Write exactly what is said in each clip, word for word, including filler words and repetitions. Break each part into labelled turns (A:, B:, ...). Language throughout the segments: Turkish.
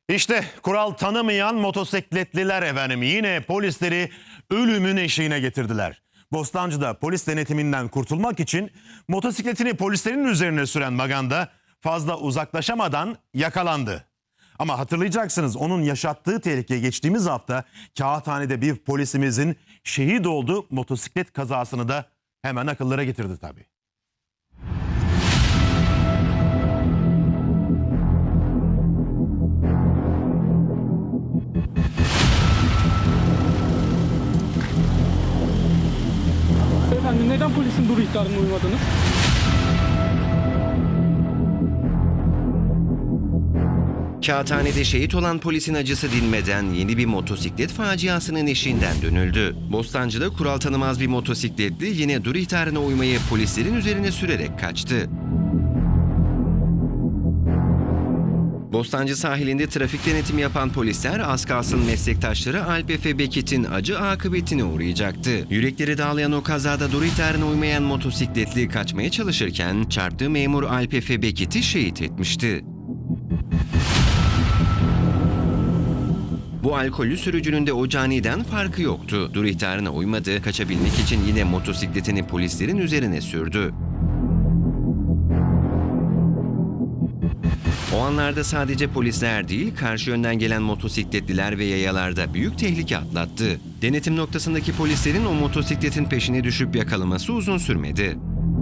A: İşte kural tanımayan motosikletliler efendim yine polisleri ölümün eşiğine getirdiler. Bostancı'da polis denetiminden kurtulmak için motosikletini polislerin üzerine süren Maganda fazla uzaklaşamadan yakalandı. Ama hatırlayacaksınız onun yaşattığı tehlike geçtiğimiz hafta Kağıthane'de bir polisimizin şehit olduğu motosiklet kazasını da hemen akıllara getirdi tabii.
B: Efendim neden polisin dur ihtarına uymadınız?
C: Kağıthane'de şehit olan polisin acısı dinmeden yeni bir motosiklet faciasının eşiğinden dönüldü. Bostancı'da kural tanımaz bir motosikletli yine dur ihtarına uymayı polislerin üzerine sürerek kaçtı. Bostancı sahilinde trafik denetimi yapan polisler az kalsın meslektaşları Alp Efe Beket'in acı akıbetine uğrayacaktı. Yürekleri dağlayan o kazada dur ihtarına uymayan motosikletli kaçmaya çalışırken çarptığı memur Alp Efe Beket'i şehit etmişti. Bu alkollü sürücünün de o caniden farkı yoktu. Dur ihtarına uymadı, kaçabilmek için yine motosikletini polislerin üzerine sürdü. O anlarda sadece polisler değil, karşı yönden gelen motosikletliler ve yayalarda büyük tehlike atlattı. Denetim noktasındaki polislerin o motosikletin peşine düşüp yakalaması uzun sürmedi.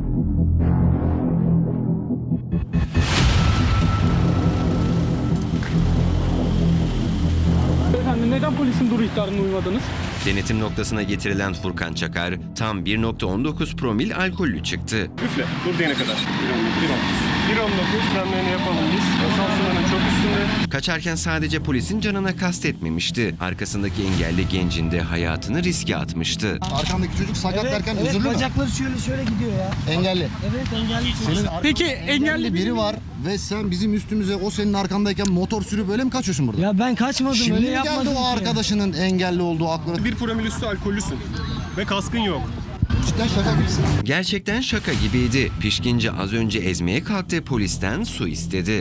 B: Efendim neden polisin dur ihtarına uymadınız?
C: Denetim noktasına getirilen Furkan Çakar tam bir nokta on dokuz promil alkollü çıktı.
D: Üfle, dur diyene kadar. bir on dokuz frenlerini yapalım biz. Asansörünün çok üstünde.
C: Kaçarken sadece polisin canına kastetmemişti. Arkasındaki engelli gencin de hayatını riske atmıştı.
E: Arkandaki çocuk sakat
F: Evet,
E: derken
F: evet,
E: üzüldü mü?
F: bacakları şöyle şöyle gidiyor ya.
E: Engelli.
F: Evet engelli.
E: Senin
B: Peki
E: arkanda
B: engelli
E: biri var ve sen bizim üstümüze o senin arkandayken motor sürüp böyle mi kaçıyorsun burada?
F: Ya ben kaçmadım
E: Şimdi
F: öyle
E: mi
F: yapmadım
E: geldi o
F: ki.
E: arkadaşının engelli olduğu aklına?
D: Bir promil üstü alkollüsün. Ve kaskın yok.
E: Cidden şaka gibisin.
C: Gerçekten şaka gibiydi. Pişkince az önce ezmeye kalktığı polisten su istedi.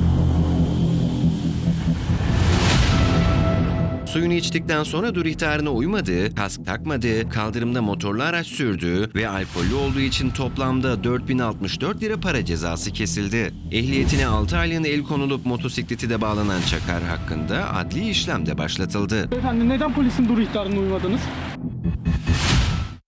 C: Suyunu içtikten sonra dur ihtarına uymadığı, kask takmadığı, kaldırımda motorlu araç sürdüğü ve alkollü olduğu için toplamda dört bin altmış dört lira para cezası kesildi. Ehliyetine altı aylığına el konulup motosikleti de bağlanan Çakar hakkında adli işlem de başlatıldı.
B: Efendim neden polisin dur ihtarına uymadınız?